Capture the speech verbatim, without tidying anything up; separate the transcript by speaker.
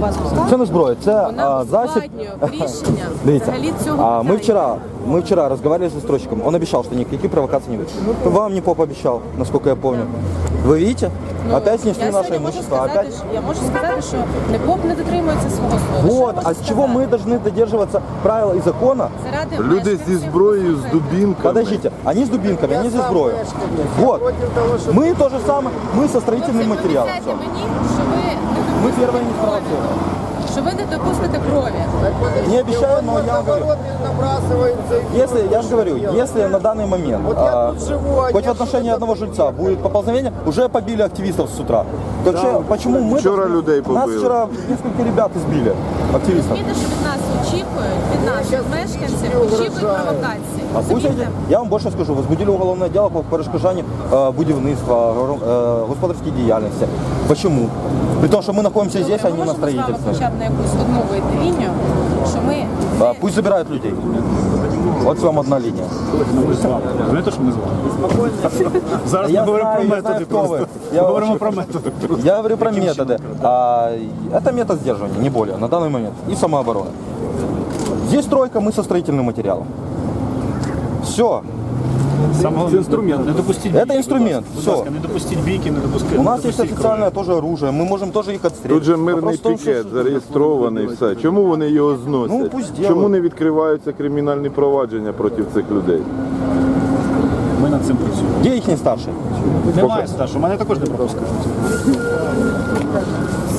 Speaker 1: вас розказує.
Speaker 2: Це не зброя, це
Speaker 1: Вона
Speaker 2: а, засіб.
Speaker 1: ускладнює рішення
Speaker 2: Дивіться,
Speaker 1: взагалі цього
Speaker 2: а, мы
Speaker 1: питання.
Speaker 2: вчера, мы вчера разговаривали с застройщиком, он обещал, что никаких провокаций не будет. Вам не поп обещал, насколько я помню. Вы видите?
Speaker 1: Ну,
Speaker 2: Опять снесли
Speaker 1: я
Speaker 2: наше
Speaker 1: сьогодні можу
Speaker 2: имущество,
Speaker 1: сказати,
Speaker 2: опять...
Speaker 1: що- Я можу сказати, що НЕПОП не дотримується свого слова. Що я
Speaker 2: Вот,
Speaker 1: можу
Speaker 2: а с чего
Speaker 1: сказати?
Speaker 2: мы должны додерживаться правил и закона?
Speaker 1: Заради
Speaker 3: Люди зі
Speaker 1: мешканців,
Speaker 3: зброєю, з
Speaker 1: послухайте.
Speaker 3: дубінками.
Speaker 2: Подождите, они с дубинками, они за зброю. Вот, мы то же самое, мы со строительным
Speaker 1: Хлопці,
Speaker 2: материалом.
Speaker 1: пообіцяйте мені, що ви не
Speaker 2: Мы
Speaker 1: допустите
Speaker 2: первые не
Speaker 1: крові.
Speaker 2: спровоцировали.
Speaker 1: Що ви не допустите крові.
Speaker 2: Не обещаю, но я вам говорю. Если, я же говорю, если на данный момент, а, хоть в отношении одного жильца будет поползновение, уже побили активистов с утра. То че- почему мы...
Speaker 3: Вчора
Speaker 2: должны-
Speaker 3: людей
Speaker 2: Нас
Speaker 3: побили.
Speaker 2: вчера несколько ребят избили, активистов.
Speaker 1: Розумієте, що від нас очікують, від наших мешканців очікують провокації.
Speaker 2: А пусть
Speaker 1: Розумієте?
Speaker 2: эти- я вам больше скажу, возбудили уголовное дело по перешкоджанню е, будівництва, е, господарській діяльності. Почему? При том, что мы находимся здесь, а
Speaker 1: Ми
Speaker 2: не на
Speaker 1: можемо з вами
Speaker 2: строительстве.
Speaker 1: хоча б на якусь одну вийти лінію, що ми
Speaker 2: А,
Speaker 1: не
Speaker 2: Пусть забирают людей. Вот вам одна линия.
Speaker 4: Ми з вами. Знаєте, що ми з вами? Зараз ми
Speaker 2: Я
Speaker 4: говоримо
Speaker 2: знаю,
Speaker 4: про
Speaker 2: я знаю,
Speaker 4: методи
Speaker 2: хто ви.
Speaker 4: просто.
Speaker 2: Я
Speaker 4: Ми говоримо
Speaker 2: очень
Speaker 4: про
Speaker 2: хочу.
Speaker 4: методи.
Speaker 2: Я говорю про методы. А, это метод сдерживания, не более, на данный момент. И самообороны. Здесь стройка, мы со строительным материалом. Все.
Speaker 4: Саме головне, інструмент. Не допустіть
Speaker 2: Це
Speaker 4: бійки,
Speaker 2: інструмент,
Speaker 4: будь
Speaker 2: все.
Speaker 4: ласка, не допустіть бійки, не допустіть.
Speaker 2: У
Speaker 4: не
Speaker 2: нас есть
Speaker 4: допустіть
Speaker 2: официальное тоже оружие, мы можем тоже их отстрелить.
Speaker 3: Тут же мирний
Speaker 2: Вопрос в том,
Speaker 3: пікет
Speaker 2: что-
Speaker 3: зареєстрований, все. Чому вони його
Speaker 2: Ну,
Speaker 3: зносять?
Speaker 2: пусть делают.
Speaker 3: Чому не відкриваються кримінальні провадження проти цих людей?
Speaker 4: крові. Ми над цим працюємо.
Speaker 2: Где их не старший?
Speaker 4: Немає старшого, мене також не пропускають.